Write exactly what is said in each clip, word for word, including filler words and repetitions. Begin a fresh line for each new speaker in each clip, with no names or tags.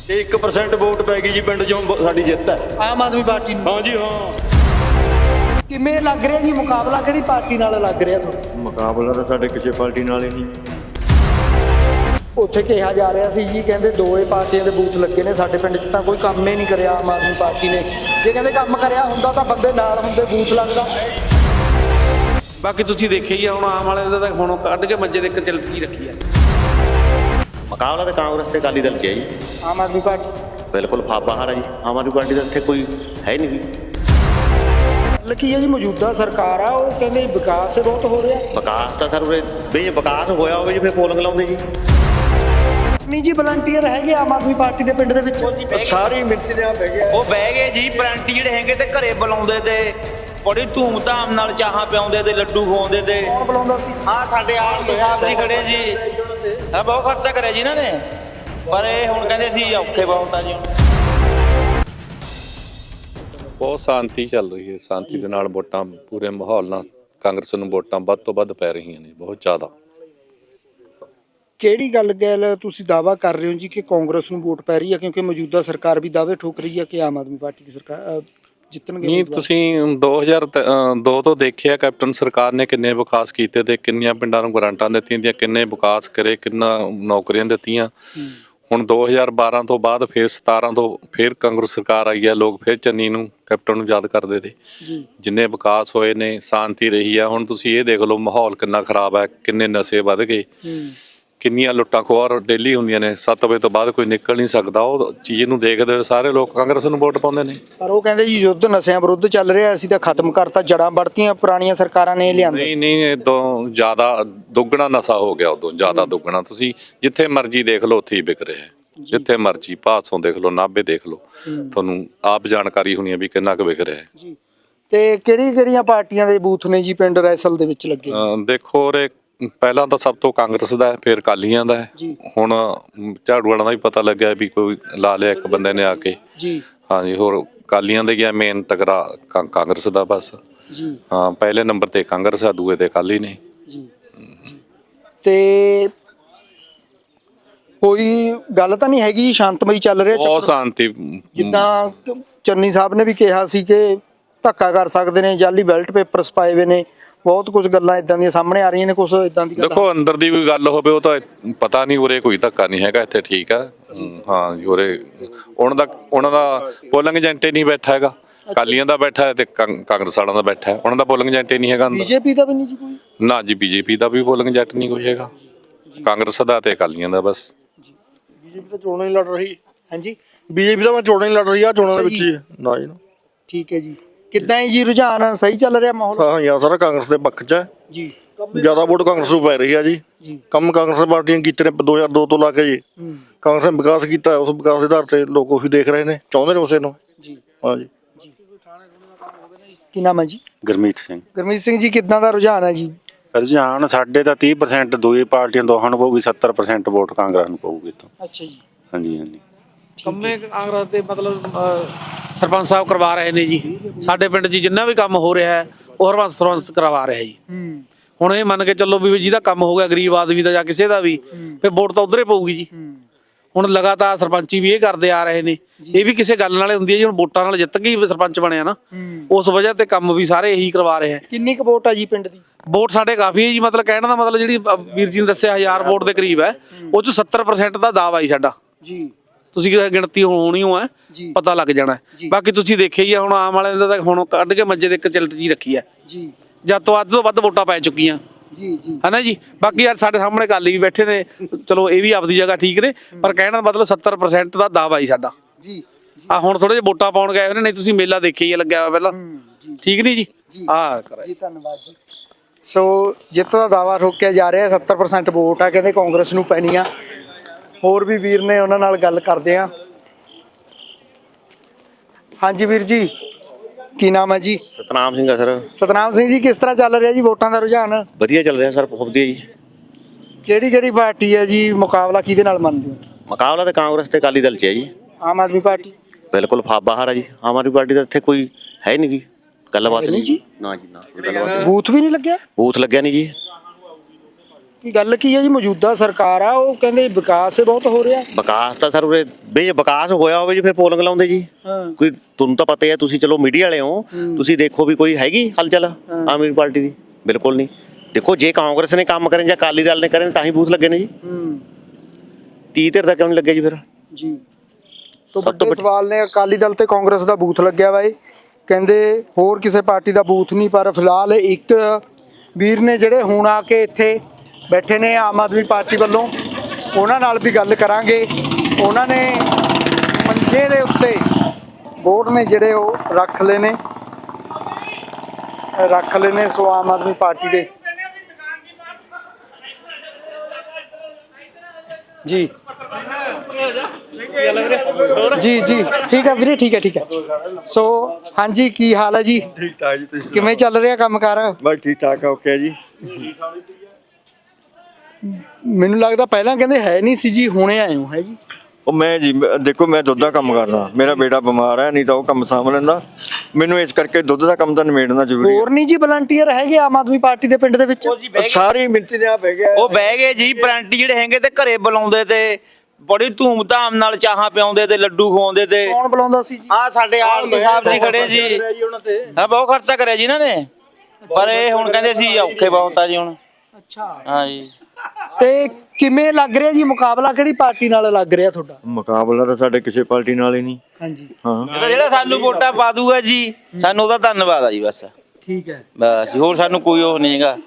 एक percent vote पै गई जी पिंड चों साडी जिੱਤ है
ਆਮ ਆਦਮੀ ਪਾਰਟੀ ਨੂੰ।
हाँ जी हाँ।
ਕਿਵੇਂ ਲੱਗ ਰਿਹਾ ਜੀ ਮੁਕਾਬਲਾ ਕਿਹੜੀ ਪਾਰਟੀ ਨਾਲ ਲੱਗ ਰਿਹਾ ਤੁਹਾਨੂੰ?
ਮੁਕਾਬਲਾ ਤਾਂ ਸਾਡੇ ਕਿਸੇ ਪਾਰਟੀ ਨਾਲ ਹੀ ਨਹੀਂ।
ਉੱਥੇ ਕਿਹਾ ਜਾ ਰਿਹਾ ਸੀ ਜੀ ਕਹਿੰਦੇ ਦੋਏ ਪਾਰਟੀਆਂ ਦੇ ਬੂਥ ਲੱਗੇ ਨੇ ਸਾਡੇ ਪਿੰਡ 'ਚ ਤਾਂ ਕੋਈ ਕੰਮ ਹੀ ਨਹੀਂ ਕਰਿਆ ਆਮ ਆਦਮੀ ਪਾਰਟੀ ਨੇ। ਜੇ ਕਹਿੰਦੇ ਕੰਮ ਕਰਿਆ ਹੁੰਦਾ ਤਾਂ ਬੰਦੇ ਨਾਲ ਹੁੰਦੇ ਬੂਥ ਲੱਗਦਾ।
ਬਾਕੀ ਤੁਸੀਂ ਦੇਖਿਆ ਹੀ ਆ ਹੁਣ ਆਮ ਵਾਲੇ ਦਾ ਤਾਂ ਹੁਣ ਕੱਢ ਕੇ ਮੰਜੇ ਦੇ ਇੱਕ ਚਿਲਟ ਜੀ ਰੱਖੀ ਆ।
ਮੁਕਾਬਲਾ ਤਾਂ ਕਾਂਗਰਸ ਤੇ ਅਕਾਲੀ ਦਲ 'ਚ ਹੈ ਜੀ।
ਆਮ ਆਦਮੀ ਪਾਰਟੀ
ਬਿਲਕੁਲ ਫਾ ਬਾਹਰ ਹੈ ਜੀ। ਆਮ ਆਦਮੀ ਪਾਰਟੀ ਦਾ ਇੱਥੇ ਕੋਈ ਹੈ ਹੀ ਨਹੀਂ ਜੀ।
ਗੱਲ ਕੀ ਹੈ ਜੀ ਮੌਜੂਦਾ ਸਰਕਾਰ ਆ ਉਹ ਕਹਿੰਦੇ ਵਿਕਾਸ ਬਹੁਤ ਹੋ ਰਿਹਾ।
ਵਿਕਾਸ ਤਾਂ ਸਰ ਉਰੇ ਵੀ ਜੇ ਵਿਕਾਸ ਹੋਇਆ ਹੋਵੇ ਜੀ ਫਿਰ ਪੋਲਿੰਗ ਲਾਉਂਦੇ ਜੀ।
ਨਹੀਂ ਜੀ ਵਲੰਟੀਅਰ ਹੈਗੇ ਆਮ ਆਦਮੀ ਪਾਰਟੀ ਦੇ ਪਿੰਡ ਦੇ ਵਿੱਚ
ਸਾਰੀ ਮਿੱਟੀ ਦੇ ਆ ਬਹਿ ਗਿਆ।
ਉਹ ਬਹਿ ਗਏ ਜੀ ਪਰੰਟੀ ਜਿਹੜੇ ਹੈਗੇ ਤੇ ਘਰੇ ਬੁਲਾਉਂਦੇ ਤੇ ਬੜੀ ਧੂਮ ਧਾਮ ਨਾਲ ਚਾਹਾਂ ਪਿਆਉਂਦੇ ਤੇ ਲੱਡੂ ਖਵਾਉਂਦੇ ਤੇ।
ਕੌਣ ਬੁਲਾਉਂਦਾ ਸੀ?
ਹਾਂ ਸਾਡੇ ਆਪ ਸਾਹਿਬ ਜੀ ਖੜੇ ਜੀ। ਹਾਂ ਬਹੁਤ ਖਰਚਾ ਕਰਿਆ ਜੀ ਇਹਨਾਂ ਨੇ ਪਰ ਇਹ ਹੁਣ ਕਹਿੰਦੇ ਸੀ ਔਖੇ ਬਹੁਤ ਆ ਜੀ ਹੁਣ।
ਬਹੁਤ ਸ਼ਾਂਤੀ ਚੱਲ ਰਹੀ ਹੈ। ਸ਼ਾਂਤੀ ਦੇ ਨਾਲ ਵੋਟਾਂ ਪੂਰੇ ਮਾਹੌਲ ਨਾਲ ਕਾਂਗਰਸ ਨੂੰ ਵੋਟਾਂ ਵੱਧ ਤੋਂ ਵੱਧ ਪੈ ਰਹੀਆਂ ਨੇ ਬਹੁਤ ਜ਼ਿਆਦਾ।
ਕਿਹੜੀ ਗੱਲ ਗੱਲ ਤੁਸੀਂ ਦਾਅਵਾ ਕਰ ਰਹੇ ਹੋ ਜੀ ਕਿ ਕਾਂਗਰਸ ਨੂੰ ਵੋਟ ਪੈ ਰਹੀ ਹੈ ਕਿਉਂਕਿ ਮੌਜੂਦਾ ਸਰਕਾਰ ਵੀ ਦਾਅਵੇ ਠੋਕ ਰਹੀ ਹੈ ਕਿ ਆਮ ਆਦਮੀ ਪਾਰਟੀ ਦੀ ਸਰਕਾਰ ਜਿੱਤਣਗੇ?
ਨਹੀਂ ਤੁਸੀਂ ਦੋ ਹਜ਼ਾਰ ਦੋ ਤੋਂ ਦੇਖਿਆ ਕੈਪਟਨ ਸਰਕਾਰ ਨੇ ਕਿੰਨੇ ਵਿਕਾਸ ਕੀਤੇ ਤੇ ਕਿੰਨੀਆਂ ਪਿੰਡਾਂ ਨੂੰ ਗ੍ਰਾਂਟਾਂ ਦਿੱਤੀਆਂ ਦੀਆਂ, ਕਿੰਨੇ ਵਿਕਾਸ ਕਰੇ, ਕਿੰਨਾ ਨੌਕਰੀਆਂ ਦਿੱਤੀਆਂ। ਹੁਣ ਦੋ ਹਜ਼ਾਰ ਬਾਰਾਂ ਤੋਂ ਬਾਅਦ ਫਿਰ ਸਤਾਰਾਂ ਤੋਂ ਫਿਰ ਕਾਂਗਰਸ ਸਰਕਾਰ ਆਈ ਹੈ। ਲੋਕ ਫਿਰ ਚੰਨੀ ਨੂੰ ਕੈਪਟਨ ਨੂੰ ਯਾਦ ਕਰਦੇ ਤੇ ਜਿੰਨੇ ਵਿਕਾਸ ਹੋਏ ਨੇ ਸ਼ਾਂਤੀ ਰਹੀ ਆ। ਹੁਣ ਤੁਸੀਂ ਇਹ ਦੇਖ ਲਓ ਮਾਹੌਲ ਕਿੰਨਾ ਖਰਾਬ ਹੈ, ਕਿੰਨੇ ਨਸ਼ੇ ਵੱਧ ਗਏ, ਕਿੰਨੀਆਂ ਲੁੱਟਾਂ ਖੋਹਾਂ ਡੇਲੀ ਹੁੰਦੀਆਂ ਨੇ। ਸੱਤ ਵਜੇ ਤੋਂ ਬਾਅਦ ਕੋਈ ਨਿਕਲ ਨਹੀਂ ਸਕਦਾ। ਉਹ ਚੀਜ਼ ਨੂੰ ਦੇਖਦੇ ਹੋਏ ਸਾਰੇ ਲੋਕ ਕਾਂਗਰਸ ਨੂੰ ਵੋਟ ਪਾਉਂਦੇ ਨੇ।
ਪਰ ਉਹ ਕਹਿੰਦੇ ਜੀ ਯੁੱਧ ਨਸ਼ਿਆਂ ਵਿਰੁੱਧ ਚੱਲ ਰਿਹਾ ਅਸੀਂ ਤਾਂ ਖਤਮ ਕਰਤਾ, ਜੜਾਂ ਵੜਤੀਆਂ ਪੁਰਾਣੀਆਂ ਸਰਕਾਰਾਂ ਨੇ ਲਿਆਂਦੇ।
ਨਹੀਂ ਨਹੀਂ ਇਦੋਂ ਜ਼ਿਆਦਾ ਦੁੱਗਣਾ ਨਸ਼ਾ ਹੋ ਗਿਆ, ਉਦੋਂ ਜ਼ਿਆਦਾ ਦੁੱਗਣਾ। ਤੁਸੀਂ ਜਿੱਥੇ ਮਰਜ਼ੀ ਦੇਖ ਲਓ ਉੱਥੇ ਹੀ ਵਿਕ ਰਿਹਾ ਹੈ। ਜਿੱਥੇ ਮਰਜ਼ੀ ਭਾਸੋਂ ਦੇਖ ਲਓ, ਨਾਭੇ ਦੇਖ ਲਓ, ਤੁਹਾਨੂੰ ਆਪ ਜਾਣਕਾਰੀ ਹੋਣੀ ਹੈ ਵੀ ਕਿੰਨਾ ਕੁ ਵਿਕ ਰਿਹਾ ਹੈ
ਜੀ। ਤੇ ਕਿਹੜੀ ਕਿਹੜੀਆਂ ਪਾਰਟੀਆਂ ਦੇ ਬੂਥ ਨੇ ਜੀ ਪਿੰਡ ਰੈਸਲ ਦੇ ਵਿੱਚ ਲੱਗੇ?
ਦੇਖੋ ਉਰੇ ਪਹਿਲਾਂ ਤਾਂ ਸਭ ਤੋਂ ਕਾਂਗਰਸ ਦਾ ਫਿਰ ਅਕਾਲੀਆਂ ਦਾ ਹੈ। ਹੁਣ ਝਾੜੂ ਵਾਲਾਂ ਦਾ ਵੀ ਪਤਾ ਲੱਗਿਆ ਵੀ ਕੋਈ ਲਾ ਲਿਆ ਇੱਕ ਬੰਦੇ ਨੇ ਆ ਕੇ
ਜੀ।
ਹਾਂਜੀ ਹੋਰ ਅਕਾਲੀਆਂ ਦੇ ਗਿਆ ਮੇਨ ਤਗੜਾ ਕਾਂਗਰਸ ਦਾ ਬਸ
ਜੀ।
ਹਾਂ ਪਹਿਲੇ ਨੰਬਰ ਤੇ ਕਾਂਗਰਸ ਆ, ਦੂਏ ਤੇ ਅਕਾਲੀ ਨੇ
ਜੀ। ਤੇ ਕੋਈ ਗੱਲ ਤਾਂ ਨਹੀਂ ਹੈਗੀ ਸ਼ਾਂਤਮਈ ਚੱਲ ਰਿਹਾ?
ਬਹੁਤ ਸ਼ਾਂਤੀ।
ਜਿੱਦਾਂ ਚੰਨੀ ਸਾਹਿਬ ਨੇ ਵੀ ਕਿਹਾ ਸੀ ਕਿ ਧੱਕਾ ਕਰ ਸਕਦੇ ਨੇ, ਜਾਲੀ ਬੈਲਟ ਪੇਪਰਸ ਪਾਏ ਹੋਏ ਨੇ, ਬਹੁਤ ਕੁਝ ਗੱਲਾਂ ਇਦਾਂ ਦੀਆਂ ਸਾਹਮਣੇ ਆ ਰਹੀਆਂ ਨੇ। ਕੁਝ ਇਦਾਂ ਦੀ
ਦੇਖੋ ਅੰਦਰ ਦੀ ਕੋਈ ਗੱਲ ਹੋਵੇ ਉਹ ਤਾਂ ਪਤਾ ਨਹੀਂ। ਉਰੇ ਕੋਈ ਧੱਕਾ ਨਹੀਂ ਹੈਗਾ, ਇੱਥੇ ਠੀਕ ਆ। ਹਾਂ ਜੀ ਉਰੇ ਉਹਨਾਂ ਦਾ ਉਹਨਾਂ ਦਾ ਪੋਲਿੰਗ ਏਜੰਟ ਨਹੀਂ ਬੈਠਾ ਹੈਗਾ। ਅਕਾਲੀਆਂ ਦਾ ਬੈਠਾ ਹੈ ਤੇ ਕਾਂਗਰਸ ਵਾਲਿਆਂ ਦਾ ਬੈਠਾ ਹੈ। ਉਹਨਾਂ ਦਾ ਪੋਲਿੰਗ ਏਜੰਟ ਨਹੀਂ ਹੈਗਾ ਅੰਦਰ।
ਬੀਜੇਪੀ ਦਾ ਵੀ ਨਹੀਂ ਜੀ ਕੋਈ?
ਨਾ ਜੀ ਬੀਜੇਪੀ ਦਾ ਵੀ ਪੋਲਿੰਗ ਏਜੰਟ ਨਹੀਂ ਕੋਈ ਹੈਗਾ। ਕਾਂਗਰਸ ਦਾ ਤੇ ਅਕਾਲੀਆਂ ਦਾ ਬਸ।
ਬੀਜੇਪੀ ਤਾਂ ਚੋਣਾਂ ਹੀ ਲੜ ਰਹੀ।
ਹਾਂਜੀ
ਬੀਜੇਪੀ ਤਾਂ ਮੈਂ ਚੋਣਾਂ ਹੀ ਲੜ ਰਹੀ ਆ ਚੋਣਾਂ ਦੇ ਵਿੱਚ ਹੀ ਨਾ ਜੀ।
ਠੀਕ ਹੈ ਜੀ। ਕਿੱਦਾਂ ਹੈ ਜੀ ਰੁਝਾਨ ਸਹੀ ਚੱਲ ਰਿਹਾ ਮਾਹੌਲ?
ਹਾਂ ਯਾਰ ਸਾਰਾ ਕਾਂਗਰਸ ਦੇ ਪੱਖ 'ਚ ਹੈ
ਜੀ।
ਜ਼ਿਆਦਾ ਵੋਟ ਕਾਂਗਰਸ ਨੂੰ ਪੈ ਰਹੀ ਆ ਜੀ। ਕੰਮ ਕਾਂਗਰਸ ਪਾਰਟੀਆਂ ਕੀਤੇ ਨੇ ਦੋ ਹਜ਼ਾਰ ਦੋ ਤੋਂ ਲਾ ਕੇ ਜੀ। ਕਾਂਗਰਸ ਨੇ ਵਿਕਾਸ ਕੀਤਾ, ਉਸ ਵਿਕਾਸ ਦੇ ਆਧਾਰ ਤੇ ਲੋਕ ਉਹੀ ਦੇਖ ਰਹੇ ਨੇ, ਚਾਹੁੰਦੇ ਨੇ ਉਸੇ ਨੂੰ ਜੀ। ਹਾਂ ਜੀ।
ਕੀ ਨਾਮ ਹੈ ਜੀ?
ਗੁਰਮੀਤ ਸਿੰਘ।
ਗੁਰਮੀਤ ਸਿੰਘ ਜੀ ਕਿੱਦਾਂ ਦਾ ਰੁਝਾਨ ਹੈ ਜੀ?
ਰੁਝਾਨ ਸਾਡੇ ਤਾਂ ਤੀਹ ਪ੍ਰਸੈਂਟ ਦੋਈ ਪਾਰਟੀਆਂ ਦੋਹਾਂ ਨੂੰ ਪਊਗੀ, ਸੱਤਰ ਪ੍ਰਸੈਂਟ ਵੋਟ ਕਾਂਗਰਸ ਨੂੰ ਪਊਗੀ ਤਾਂ।
ਅੱਛਾ ਜੀ।
ਹਾਂਜੀ ਹਾਂਜੀ।
ਕੰਮੇ ਕਾਂਗਰਸ ਦੇ ਮਤਲਬ ਸਰਪੰਚ ਸਾਹਿਬ ਕਰਵਾ ਰਹੇ ਨੇ ਜੀ। ਸਾਡੇ ਪਿੰਡ 'ਚ ਜਿੰਨਾ ਵੀ ਕੰਮ ਹੋ ਰਿਹਾ ਹੈ ਉਹ ਹਰਬੰਸ ਸਰਪੰਚ ਕਰਵਾ ਰਿਹਾ ਜੀ। ਹੁਣ ਇਹ ਮੰਨ ਕੇ ਚੱਲੋ ਵੀ ਜਿਹਦਾ ਕੰਮ ਹੋ ਗਿਆ ਗਰੀਬ ਆਦਮੀ ਦਾ ਜਾਂ ਕਿਸੇ ਦਾ ਵੀ ਫਿਰ ਵੋਟ ਤਾਂ ਉਧਰ ਹੀ ਪਊਗੀ ਜੀ। ਹੁਣ ਲਗਾਤਾਰ ਸਰਪੰਚੀ ਵੀ ਇਹ ਕਰਦੇ ਆ ਰਹੇ ਨੇ। ਇਹ ਵੀ ਕਿਸੇ ਗੱਲ ਨਾਲ ਹੁੰਦੀ ਹੈ ਜੀ। ਹੁਣ ਵੋਟਾਂ ਨਾਲ ਜਿੱਤ ਗਈ ਸਰਪੰਚ ਬਣਿਆ ਨਾ, ਉਸ ਵਜ੍ਹਾ ਤੇ ਕੰਮ ਵੀ ਸਾਰੇ ਇਹੀ ਕਰਵਾ ਰਹੇ ਹੈ।
ਕਿੰਨੀ ਕੁ ਵੋਟ ਆ ਜੀ ਪਿੰਡ ਦੀ?
ਵੋਟ ਸਾਡੇ ਕਾਫੀ ਹੈ ਜੀ। ਮਤਲਬ ਕਹਿਣ ਦਾ ਮਤਲਬ ਜਿਹੜੀ ਵੀਰ ਜੀ ਨੇ ਦੱਸਿਆ ਹਜ਼ਾਰ ਵੋਟ ਦੇ ਕਰੀਬ ਹੈ, ਉਹ 'ਚ ਸੱਤਰ ਪ੍ਰਸੈਂਟ ਦਾ ਦਾਅਵਾ ਹੀ ਸਾਡਾ ਜੀ। ਤੁਸੀਂ ਗਿਣਤੀ ਹੋਣੀ ਹੋ ਹੈ ਪਤਾ ਲੱਗ ਜਾਣਾ। ਬਾਕੀ ਤੁਸੀਂ ਦੇਖਿਆ ਹੀ ਆ ਹੁਣ ਆਮ ਵਾਲੇ ਦਾ ਤਾਂ ਹੁਣ ਕੱਢ ਕੇ ਮੰਜੇ ਦੇ ਇੱਕ ਚਿਲਟ ਜੀ ਰੱਖੀ ਹੈ ਜੀ। ਜਦ ਤੋਂ ਅੱਧ ਤੋਂ ਵੱਧ ਵੋਟਾਂ ਪੈ ਚੁੱਕੀਆਂ
ਜੀ ਜੀ
ਹੈ ਨਾ ਜੀ। ਬਾਕੀ ਯਾਰ ਸਾਡੇ ਸਾਹਮਣੇ ਅਕਾਲੀ ਵੀ ਬੈਠੇ ਨੇ, ਚਲੋ ਇਹ ਵੀ ਆਪਦੀ ਜਗ੍ਹਾ ਠੀਕ ਨੇ, ਪਰ ਕਹਿਣ ਦਾ ਮਤਲਬ ਸੱਤਰ ਪ੍ਰਸੈਂਟ ਦਾ ਦਾਅਵਾ ਹੀ ਸਾਡਾ ਜੀ। ਆ ਹੁਣ ਥੋੜੇ ਜਿਹੇ ਵੋਟਾਂ ਪਾਉਣ ਗਏ ਉਹਨੇ, ਨਹੀਂ ਤੁਸੀਂ ਮੇਲਾ ਦੇਖਿਆ ਹੀ ਲੱਗਿਆ ਹੋਇਆ ਪਹਿਲਾਂ, ਠੀਕ ਨਹੀਂ ਜੀ? ਆ
ਜੀ ਧੰਨਵਾਦ ਜੀ। ਸੋ ਜਿੱਤ ਦਾ ਦਾਅਵਾ ਠੋਕਿਆ ਜਾ ਰਿਹਾ, ਸੱਤਰ ਪ੍ਰਸੈਂਟ ਵੋਟ ਆ ਕਹਿੰਦੇ ਕਾਂਗਰਸ ਨੂੰ ਪੈਣੀ ਆ। ਹੋਰ ਵੀ ਵੀਰ ਨੇ, ਉਹਨਾਂ ਨਾਲ ਗੱਲ ਕਰਦੇ ਆ। ਹਾਂਜੀ ਵੀਰ ਜੀ ਕੀ ਨਾਮ ਹੈ ਜੀ?
ਸਤਨਾਮ ਸਿੰਘ ਆ ਸਰ।
ਸਤਨਾਮ ਸਿੰਘ ਜੀ ਕਿਸ ਤਰ੍ਹਾਂ ਚੱਲ ਰਿਹਾ ਜੀ ਵੋਟਾਂ ਦਾ ਰੁਝਾਨ?
ਵਧੀਆ ਚੱਲ ਰਿਹਾ ਸਰ, ਬਹੁਤ ਵਧੀਆ ਜੀ।
ਕਿਹੜੀ ਕਿਹੜੀ ਪਾਰਟੀ ਹੈ ਜੀ? ਮੁਕਾਬਲਾ ਕਿਹਦੇ ਨਾਲ ਮੰਨਦੇ ਹੋ?
ਮੁਕਾਬਲਾ ਤਾਂ ਕਾਂਗਰਸ ਤੇ ਅਕਾਲੀ ਦਲ 'ਚ ਹੈ ਜੀ।
ਆਮ ਆਦਮੀ ਪਾਰਟੀ
ਬਿਲਕੁਲ ਫਾ ਬਾਹਰ ਹੈ ਜੀ। ਆਮ ਆਦਮੀ ਪਾਰਟੀ ਦਾ ਇੱਥੇ ਕੋਈ ਹੈ ਨਹੀਂ ਜੀ। ਗੱਲਬਾਤ ਨਹੀਂ
ਜੀ।
ਨਾ ਜੀ ਨਾ ਗੱਲਬਾਤ।
ਬੂਥ ਵੀ ਨਹੀਂ ਲੱਗਿਆ?
ਬੂਥ ਲੱਗਿਆ ਨਹੀਂ ਜੀ।
ਕੀ ਗੱਲ ਕੀ ਹੈ ਜੀ? ਮੌਜੂਦਾ ਸਰਕਾਰ ਆ, ਉਹ ਕਹਿੰਦੇ ਵਿਕਾਸ ਬਹੁਤ ਹੋ ਰਿਹਾ।
ਵਿਕਾਸ ਤਾਂ ਸਰ ਉਰੇ ਵੀ ਜੇ ਵਿਕਾਸ ਹੋਇਆ ਹੋਵੇ ਜੀ ਫਿਰ ਪੋਲਿੰਗ ਲਾਉਂਦੇ ਜੀ।
ਹਾਂ
ਕੋਈ ਤੁਹਾਨੂੰ ਤਾਂ ਪਤਾ ਹੀ ਹੈ, ਤੁਸੀਂ ਚਲੋ ਮੀਡੀਆ ਵਾਲੇ ਹੋ, ਤੁਸੀਂ ਦੇਖੋ ਵੀ ਕੋਈ ਹੈਗੀ ਹਲਚਲ ਆਮ ਆਦਮੀ ਪਾਰਟੀ ਦੀ? ਬਿਲਕੁਲ ਨਹੀਂ। ਦੇਖੋ ਜੇ ਕਾਂਗਰਸ ਨੇ ਕੰਮ ਕਰੇ ਜਾਂ ਅਕਾਲੀ ਦਲ ਨੇ ਕਰੇ ਤਾਂ ਹੀ ਬੂਥ ਲੱਗੇ ਨੇ ਜੀ।
ਹੂੰ
ਤੀਹ ਧਿਰ ਦਾ ਕਿਉਂ ਨਹੀਂ ਲੱਗੇ ਜੀ ਫਿਰ?
ਜੀ ਤੋਂ
ਸਭ ਤੋਂ
ਵੱਡੇ ਸਵਾਲ ਨੇ, ਅਕਾਲੀ ਦਲ ਤੇ ਕਾਂਗਰਸ ਦਾ ਬੂਥ ਲੱਗਿਆ ਵਾ, ਇਹ ਕਹਿੰਦੇ ਹੋਰ ਕਿਸੇ ਪਾਰਟੀ ਦਾ ਬੂਥ ਨਹੀਂ, ਪਰ ਫਿਲਹਾਲ ਇੱਕ ਵੀਰ ਨੇ ਜਿਹੜੇ ਹੁਣ ਆ ਕੇ ਇੱਥੇ ਬੈਠੇ ਨੇ ਆਮ ਆਦਮੀ ਪਾਰਟੀ ਵੱਲੋਂ, ਉਹਨਾਂ ਨਾਲ ਵੀ ਗੱਲ ਕਰਾਂਗੇ। ਉਹਨਾਂ ਨੇ ਮੰਜੇ ਦੇ ਉੱਤੇ ਵੋਟ ਨੇ ਜਿਹੜੇ ਉਹ ਰੱਖ ਲਏ ਨੇ ਰੱਖ ਲਏ ਨੇ ਸੋ ਆਮ ਆਦਮੀ ਪਾਰਟੀ ਦੇ ਜੀ ਜੀ ਜੀ ਠੀਕ ਹੈ ਵੀਰੇ, ਠੀਕ ਹੈ ਠੀਕ ਹੈ। ਸੋ ਹਾਂਜੀ, ਕੀ ਹਾਲ ਹੈ ਜੀ?
ਠੀਕ ਠਾਕ ਜੀ, ਤੁਸੀਂ
ਕਿਵੇਂ ਚੱਲ ਰਿਹਾ ਕੰਮ ਕਾਰ?
ਬਸ ਠੀਕ ਠਾਕ ਓਕੇ ਜੀ।
ਮੈਨੂੰ ਲੱਗਦਾ ਪਹਿਲਾਂ ਕਹਿੰਦੇ ਹੈ ਨਹੀਂ ਸੀ ਜੀ, ਹੁਣੇ ਆਏ ਹੋ ਹੈ ਜੀ?
ਉਹ ਮੈਂ ਜੀ ਦੇਖੋ, ਮੈਂ ਦੁੱਧ ਦਾ ਕੰਮ ਕਰਦਾ, ਮੇਰਾ ਬੇਟਾ ਬਿਮਾਰ ਹੈ, ਨਹੀਂ ਤਾਂ ਉਹ ਕੰਮ ਸਾਂਭ ਲੈਂਦਾ। ਮੈਨੂੰ ਇਸ ਕਰਕੇ ਦੁੱਧ ਦਾ ਕੰਮ ਤਾਂ ਨਿਬੇੜਨਾ ਜ਼ਰੂਰੀ ਹੈ।
ਹੋਰ ਨਹੀਂ ਜੀ ਵਲੰਟੀਅਰ ਹੈਗੇ ਆਮ ਆਦਮੀ ਪਾਰਟੀ ਦੇ ਪਿੰਡ ਦੇ ਵਿੱਚ?
ਉਹ ਜੀ ਬਹਿ ਗਏ,
ਸਾਰੀ ਮਿੰਤੀ ਦੇ ਆ ਬਹਿ ਗਿਆ।
ਉਹ ਬਹਿ ਗਏ ਜੀ ਪਰੰਟੀ ਜਿਹੜੇ ਹੈਗੇ ਤੇ ਘਰੇ ਬੁਲਾਉਂਦੇ ਤੇ ਬੜੀ ਧੂਮ ਧਾਮ ਨਾਲ ਚਾਹਾਂ ਪਿਆਉਂਦੇ ਤੇ ਲੱਡੂ ਖਵਾਉਂਦੇ ਤੇ।
ਕੌਣ ਬੁਲਾਉਂਦਾ ਸੀ ਜੀ?
ਆ ਸਾਡੇ ਆਲਮੀ ਸਾਹਿਬ ਜੀ ਖੜੇ ਜੀ। ਹਾਂ ਬਹੁਤ ਖਰਚਾ ਕਰਿਆ ਜੀ ਇਹਨਾਂ ਨੇ, ਪਰ ਇਹ ਹੁਣ ਕਹਿੰਦੇ ਸੀ ਔਖੇ ਬਹੁਤ ਆ ਜੀ ਹੁਣ।
ਅੱਛਾ,
ਹਾਂ ਜੀ।
ਤੇ ਕਿਵੇਂ ਲੱਗ ਰਿਹਾ ਜੀ ਮੁਕਾਬਲਾ, ਕਿਹੜੀ ਪਾਰਟੀ ਨਾਲ ਲੱਗ ਰਿਹਾ ਤੁਹਾਡਾ?
ਮੁਕਾਬਲਾ ਤਾਂ ਸਾਡੇ ਕਿਸੇ ਪਾਰਟੀ ਨਾਲ ਹੀ ਨਹੀਂ।
ਹਾਂਜੀ
ਹਾਂ
ਇਹ ਤਾਂ ਜਿਹੜਾ ਸਾਨੂੰ ਵੋਟਾਂ ਪਾ ਦੂਗਾ ਜੀ, ਸਾਨੂੰ ਉਹਦਾ ਧੰਨਵਾਦ ਆ ਜੀ ਬਸ।
ਠੀਕ ਹੈ।
ਬਸ ਹੋਰ ਸਾਨੂੰ ਕੋਈ ਉਹ ਨਹੀਂ ਹੈਗਾ।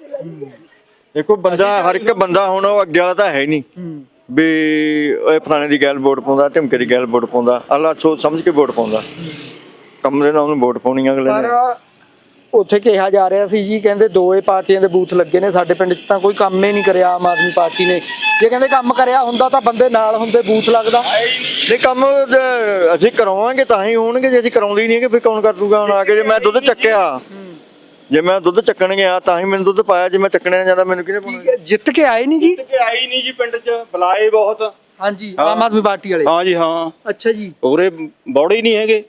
ਦੇਖੋ ਬੰਦਾ, ਹਰ ਇੱਕ ਬੰਦਾ ਹੁਣ ਉਹ ਅੱਗੇ ਵਾਲਾ ਤਾਂ ਹੈ ਨਹੀਂ
ਹੂੰ
ਵੀ ਇਹ ਫਲਾਣੇ ਦੀ ਗੈਲ ਵੋਟ ਪਾਉਂਦਾ, ਢਿਮਕੇ ਦੀ ਗੈਲ ਵੋਟ ਪਾਉਂਦਾ। ਅੱਲਾ ਸੋਚ ਸਮਝ ਕੇ ਵੋਟ ਪਾਉਂਦਾ, ਕੰਮ ਦੇ ਨਾਲ ਉਹਨੂੰ ਵੋਟ ਪਾਉਣੀ ਅਗਲੇ
ਪਰ
ਨੇ।
ਉੱਥੇ ਕਿਹਾ ਜਾ ਰਿਹਾ ਸੀ ਜੀ, ਕਹਿੰਦੇ ਦੋਏ ਪਾਰਟੀਆਂ ਦੇ ਬੂਥ ਲੱਗੇ ਨੇ, ਸਾਡੇ ਪਿੰਡ 'ਚ ਤਾਂ ਕੋਈ ਕੰਮ ਹੀ ਨਹੀਂ ਕਰਿਆ ਆਮ ਆਦਮੀ ਪਾਰਟੀ ਨੇ। ਜੇ ਕਹਿੰਦੇ ਕੰਮ ਕਰਿਆ ਹੁੰਦਾ ਤਾਂ ਬੰਦੇ ਨਾਲ ਹੁੰਦੇ, ਬੂਥ ਲੱਗਦਾ।
ਨਹੀਂ ਕੰਮ ਜੇ ਅਸੀਂ ਕਰਾਵਾਂਗੇ ਤਾਂ ਹੀ ਹੋਣਗੇ, ਜੇ ਅਸੀਂ ਕਰਾਉਂਦੇ ਹੀ ਨਹੀਂ ਕਿ ਫਿਰ ਕੌਣ ਕਰ ਦੂਗਾ? ਹੁਣ ਆ ਕੇ ਜੇ ਮੈਂ ਦੁੱਧ ਚੱਕਿਆ, ਜੇ ਮੈਂ ਦੁੱਧ ਚੱਕਣ ਗਿਆ ਤਾਂ ਹੀ ਮੈਨੂੰ ਦੁੱਧ ਪਾਇਆ, ਜੇ ਮੈਂ ਚੱਕਣੇ ਨਾ ਜਾਂਦਾ ਮੈਨੂੰ ਕਿਹਨੇ ਪਾਉਣਾ?
ਜਿੱਤ ਕੇ ਆਏ ਨਹੀਂ ਜੀ?
ਕਿ ਆਈ ਨਹੀਂ ਜੀ, ਪਿੰਡ 'ਚ ਬੁਲਾਏ ਬਹੁਤ।
ਹਾਂਜੀ, ਆਮ ਆਦਮੀ ਪਾਰਟੀ ਵਾਲੇ।
ਹਾਂ ਜੀ ਹਾਂ,
ਅੱਛਾ ਜੀ,
ਉਰੇ ਬੌੜੇ ਹੀ ਨਹੀਂ ਹੈਗੇ।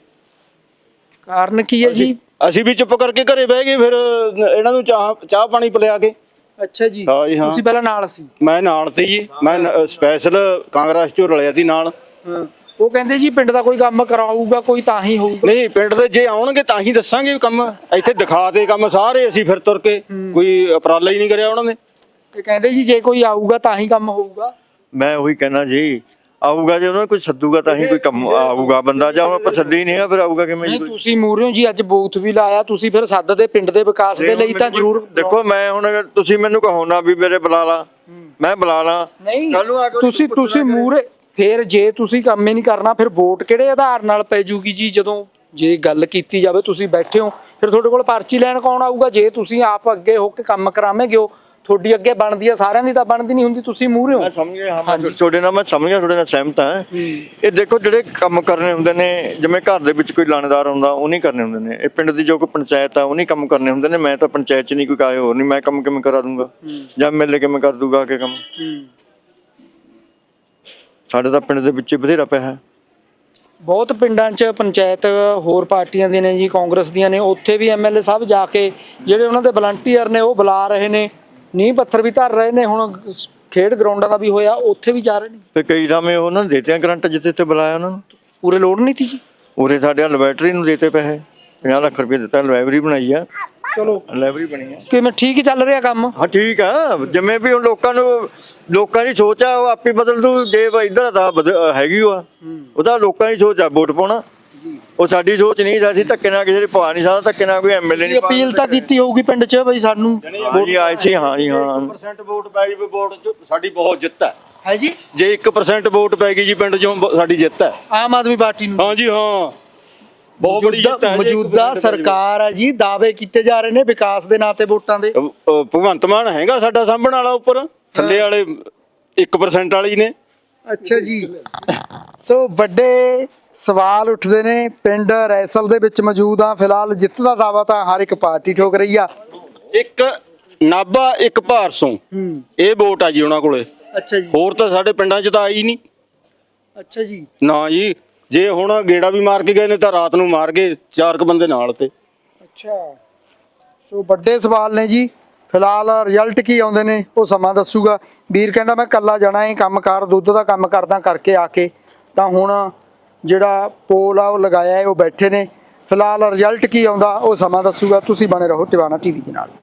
ਕਾਰਨ ਕੀ ਹੈ ਜੀ?
ਅਸੀਂ ਵੀ ਚੁੱਪ ਕਰਕੇ ਘਰੇ ਬਹਿ ਗਏ, ਫਿਰ ਇਹਨਾਂ ਨੂੰ ਚਾਹ ਚਾਹ ਪਾਣੀ ਪਿਲਾ ਕੇ।
ਅੱਛਾ ਜੀ,
ਹਾਂ ਜੀ ਹਾਂ,
ਤੁਸੀਂ ਪਹਿਲਾਂ ਨਾਲ ਸੀ?
ਮੈਂ ਨਾਲ ਤੇ ਜੀ, ਮੈਂ ਸਪੈਸ਼ਲ ਕਾਂਗਰਸ ਚੋਂ ਰਲਿਆ ਸੀ ਨਾਲ।
ਹਾਂ, ਉਹ ਕਹਿੰਦੇ ਜੀ ਪਿੰਡ ਦਾ ਕੋਈ ਕੰਮ ਕਰਾਊਗਾ ਕੋਈ ਤਾਂ ਹੀ ਹੋਊਗਾ।
ਨਹੀਂ, ਪਿੰਡ ਦੇ ਜੇ ਆਉਣਗੇ ਤਾਂ ਹੀ ਦੱਸਾਂਗੇ ਕੰਮ। ਇੱਥੇ ਦਿਖਾ ਦੇ ਕੰਮ ਸਾਰੇ ਅਸੀਂ ਫਿਰ ਤੁਰ ਕੇ, ਕੋਈ ਉਪਰਾਲਾ ਹੀ ਨਹੀਂ ਕਰਿਆ ਉਹਨਾਂ ਨੇ।
ਤੇ ਕਹਿੰਦੇ ਜੀ ਜੇ ਕੋਈ ਆਊਗਾ ਤਾਂ ਹੀ ਕੰਮ ਹੋਊਗਾ।
ਮੈਂ ਉਹੀ ਕਹਿਣਾ ਜੀ, ਆਊਗਾ ਜੇ ਉਹਨਾਂ ਨੂੰ ਕੋਈ ਸੱਦੂਗਾ ਤਾਂ ਹੀ ਕੋਈ ਕੰਮ ਆਊਗਾ ਬੰਦਾ। ਜਾਂ ਹੁਣ ਆਪਾਂ ਸੱਦੇ ਹੀ ਨਹੀਂ ਆ, ਫਿਰ ਆਊਗਾ ਕਿਵੇਂ ਜੀ?
ਨਹੀਂ, ਤੁਸੀਂ ਮੂਹਰਿਓ ਜੀ ਅੱਜ ਬੂਥ ਵੀ ਲਾਇਆ, ਤੁਸੀਂ ਫਿਰ ਸੱਦਦੇ ਪਿੰਡ ਦੇ ਵਿਕਾਸ ਦੇ ਲਈ ਤਾਂ ਜ਼ਰੂਰ।
ਦੇਖੋ ਮੈਂ ਹੁਣ ਤੁਸੀਂ ਮੈਨੂੰ ਕਹੋ ਨਾ ਵੀ ਮੇਰੇ ਬੁਲਾ ਲਾ, ਮੈਂ ਬੁਲਾ ਲਾ।
ਨਹੀਂ,
ਕੱਲ੍ਹ ਨੂੰ ਆ ਕੇ
ਤੁਸੀਂ ਤੁਸੀਂ ਮੂਹਰੇ ਫਿਰ ਜੇ ਤੁਸੀਂ ਕੰਮ ਹੀ ਨਹੀਂ ਕਰਨਾ, ਫਿਰ ਵੋਟ ਕਿਹੜੇ ਆਧਾਰ ਨਾਲ ਪੈ ਜੂਗੀ ਜੀ? ਜਦੋਂ ਜੇ ਗੱਲ ਕੀਤੀ ਜਾਵੇ, ਤੁਸੀਂ ਬੈਠੇ ਹੋ, ਫਿਰ ਤੁਹਾਡੇ ਕੋਲ ਪਰਚੀ ਲੈਣ ਕੌਣ ਆਊਗਾ? ਜੇ ਤੁਸੀਂ ਆਪ ਅੱਗੇ ਹੋ ਕੇ ਕੰਮ ਕਰਾਵੇਂਗੇ, ਉਹ ਤੁਹਾਡੀ ਅੱਗੇ ਬਣਦੀ ਆ, ਸਾਰਿਆਂ ਦੀ ਤਾਂ ਬਣਦੀ ਨਹੀਂ ਹੁੰਦੀ। ਤੁਸੀਂ ਮੂਹਰੇ ਹੋ।
ਮੈਂ ਸਮਝ ਗਿਆ, ਹਾਂ ਤੁਹਾਡੇ ਨਾਲ ਮੈਂ ਸਮਝ ਗਿਆ, ਤੁਹਾਡੇ ਨਾਲ ਸਹਿਮਤ ਹਾਂ। ਇਹ ਦੇਖੋ ਜਿਹੜੇ ਕੰਮ ਕਰਨੇ ਹੁੰਦੇ ਨੇ, ਜਿਵੇਂ ਘਰ ਦੇ ਵਿੱਚ ਕੋਈ ਲਾਣੇਦਾਰ ਹੁੰਦਾ ਉਹ ਨਹੀਂ ਕਰਨੇ ਹੁੰਦੇ ਨੇ, ਇਹ ਪਿੰਡ ਦੀ ਜੋ ਕੋਈ ਪੰਚਾਇਤ ਆ ਉਹ ਨਹੀਂ ਕੰਮ ਕਰਨੇ ਹੁੰਦੇ ਨੇ। ਮੈਂ ਤਾਂ ਪੰਚਾਇਤ 'ਚ ਨਹੀਂ ਕੋਈ ਕਾਇ ਹੋਰ ਨਹੀਂ, ਮੈਂ ਕੰਮ ਕਿਵੇਂ ਕਰਾ ਦੂੰਗਾ ਜਾਂ ਮਿਲ ਕਿਵੇਂ ਕਰ ਦੂਗਾ ਆ ਕੇ ਕੰਮ? ਸਾਡੇ ਤਾਂ ਪਿੰਡ ਦੇ ਵਿੱਚ ਬਥੇਰਾ ਪਿਆ ਹੈ।
ਬਹੁਤ ਪਿੰਡਾਂ 'ਚ ਪੰਚਾਇਤ ਹੋਰ ਪਾਰਟੀਆਂ ਦੀਆਂ ਨੇ ਜੀ, ਕਾਂਗਰਸ ਦੀਆਂ ਨੇ, ਉੱਥੇ ਵੀ ਐਮਐਲਏ ਸਾਹਿਬ ਜਾ ਕੇ ਜਿਹੜੇ ਉਹਨਾਂ ਦੇ ਵਲੰਟੀਅਰ ਨੇ ਉਹ ਬੁਲਾ ਰਹੇ ਨੇ, ਨੀਂਹ ਪੱਥਰ ਵੀ ਧਰ ਰਹੇ ਨੇ। ਹੁਣ ਖੇਡ ਗਰਾਊਂਡਾਂ ਦਾ ਵੀ ਹੋਇਆ, ਉੱਥੇ ਵੀ ਜਾ ਰਹੇ ਨੇ।
ਤੇ ਕਈ ਰਾਵੇਂ ਉਹਨਾਂ ਨੇ ਦੇਤੇ ਗਰੰਟ ਜਿੱਥੇ ਤੇ ਬੁਲਾਇਆ ਉਹਨਾਂ ਨੂੰ,
ਪੂਰੇ ਲੋੜ ਨਹੀਂ ਸੀ ਜੀ।
ਉਰੇ ਸਾਡੇ ਲੈਬੋਰੇਟਰੀ ਨੂੰ ਦੇਤੇ ਪੈਸੇ, ਪੰਜਾਹ ਲੱਖ ਰੁਪਏ ਦਿੱਤਾ, ਲਾਇਬ੍ਰੇਰੀ ਬਣਾਈ ਆ।
ਚਲੋ
ਲਾਇਬ੍ਰੇਰੀ ਬਣੀ ਆ।
ਕਿਵੇਂ ਠੀਕ ਹੀ ਚੱਲ ਰਿਹਾ ਕੰਮ?
ਹਾਂ ਠੀਕ ਆ, ਜਿਵੇਂ ਵੀ ਹੁਣ ਲੋਕਾਂ ਨੂੰ, ਲੋਕਾਂ ਦੀ ਸੋਚ ਆ ਉਹ ਆਪੇ ਬਦਲ ਦੂ। ਜੇ ਇਧਰ ਦਾ ਹੈਗੀ ਉਹ ਉਹਦਾ ਲੋਕਾਂ ਦੀ ਸੋਚ ਆ ਵੋਟ ਪਾਉਣਾ, ਉਹ ਸਾਡੀ ਸੋਚ ਨਹੀਂ। ਅਸੀਂ ਧੱਕੇ ਨਾਲ ਕਿਸੇ ਦੇ ਪਾ ਨਹੀਂ ਸਕਦਾ, ਧੱਕੇ ਨਾਲ ਕੋਈ ਐਮਐਲਏ ਨਹੀਂ।
ਅਪੀਲ ਤਾਂ ਕੀਤੀ ਹੋਊਗੀ ਪਿੰਡ 'ਚ ਬਈ ਸਾਨੂੰ
ਵੋਟ ਆਈ ਸੀ। ਹਾਂ ਜੀ ਹਾਂ,
ਇੱਕ ਪਰਸੈਂਟ ਵੋਟ ਪੈ ਗਈ, ਵੋਟ 'ਚ ਸਾਡੀ ਬਹੁਤ ਜਿੱਤ ਹੈ।
ਹੈ ਜੀ,
ਜੇ ਇੱਕ ਪਰਸੈਂਟ ਵੋਟ ਪੈ ਗਈ ਜੀ ਪਿੰਡ 'ਚੋਂ, ਸਾਡੀ ਜਿੱਤ ਹੈ
ਆਮ ਆਦਮੀ ਪਾਰਟੀ ਨੂੰ।
ਹਾਂ ਜੀ ਹਾਂ, ਬਹੁਤ ਬੜੀ ਜਿੱਤ ਹੈ।
ਮੌਜੂਦਾ ਸਰਕਾਰ ਆ ਜੀ, ਦਾਅਵੇ ਕੀਤੇ ਜਾ ਰਹੇ ਨੇ ਵਿਕਾਸ ਦੇ ਨਾਂ ਤੇ ਵੋਟਾਂ ਦੇ।
ਭਗਵੰਤ ਮਾਨ ਹੈਗਾ ਸਾਡਾ ਸਾਂਭਣ ਵਾਲਾ, ਉੱਪਰ ਥੱਲੇ ਵਾਲੇ ਇੱਕ ਪਰਸੈਂਟ ਵਾਲੇ ਹੀ ਨੇ।
ਅੱਛਾ ਜੀ, ਸੋ ਵੱਡੇ ਸਵਾਲ ਉੱਠਦੇ ਨੇ। ਪਿੰਡ ਰੈਸਲ ਦੇ ਵਿੱਚ ਮੌਜੂਦ ਆ, ਫਿਲਹਾਲ ਜਿੱਤ ਦਾ ਦਾਅਵਾ ਤਾਂ ਹਰ ਇੱਕ ਪਾਰਟੀ ਠੋਕ ਰਹੀ ਆ।
ਇੱਕ ਨਾਭਾ, ਇੱਕ ਭਾਰਸੋਂ,
ਹੂੰ,
ਇਹ ਵੋਟ ਆ ਜੀ ਉਹਨਾਂ ਕੋਲੇ।
ਅੱਛਾ ਜੀ,
ਹੋਰ ਤਾਂ ਸਾਡੇ ਪਿੰਡਾਂ 'ਚ ਤਾਂ ਆਈ ਨਹੀਂ।
ਅੱਛਾ ਜੀ,
ਨਾ ਜੀ, ਜੇ ਹੁਣ ਗੇੜਾ ਵੀ ਮਾਰ ਕੇ ਗਏ ਨੇ ਤਾਂ ਰਾਤ ਨੂੰ ਮਾਰ ਗਏ ਚਾਰ ਕੁ ਬੰਦੇ ਨਾਲ ਤੇ।
ਅੱਛਾ, ਸੋ ਵੱਡੇ ਸਵਾਲ ਨੇ ਜੀ। ਫਿਲਹਾਲ ਰਿਜ਼ਲਟ ਕੀ ਆਉਂਦੇ ਨੇ ਉਹ ਸਮਾਂ ਦੱਸੂਗਾ। ਵੀਰ ਕਹਿੰਦਾ ਮੈਂ ਕੱਲਾ ਜਾਣਾ ਇਹ ਕੰਮ ਕਾਰ ਦੁੱਧ ਦਾ ਕੰਮ ਕਰਦਾ ਕਰਕੇ ਆ ਕੇ, ਤਾਂ ਹੁਣ ਜਿਹੜਾ ਪੋਲ ਆ ਉਹ ਲਗਾਇਆ ਹੈ, ਉਹ ਬੈਠੇ ਨੇ। ਫਿਲਹਾਲ ਰਿਜ਼ਲਟ ਕੀ ਆਉਂਦਾ ਉਹ ਸਮਾਂ ਦੱਸੂਗਾ। ਤੁਸੀਂ ਬਣੇ ਰਹੋ ਟਿਵਾਣਾ ਟੀਵੀ ਦੇ ਨਾਲ।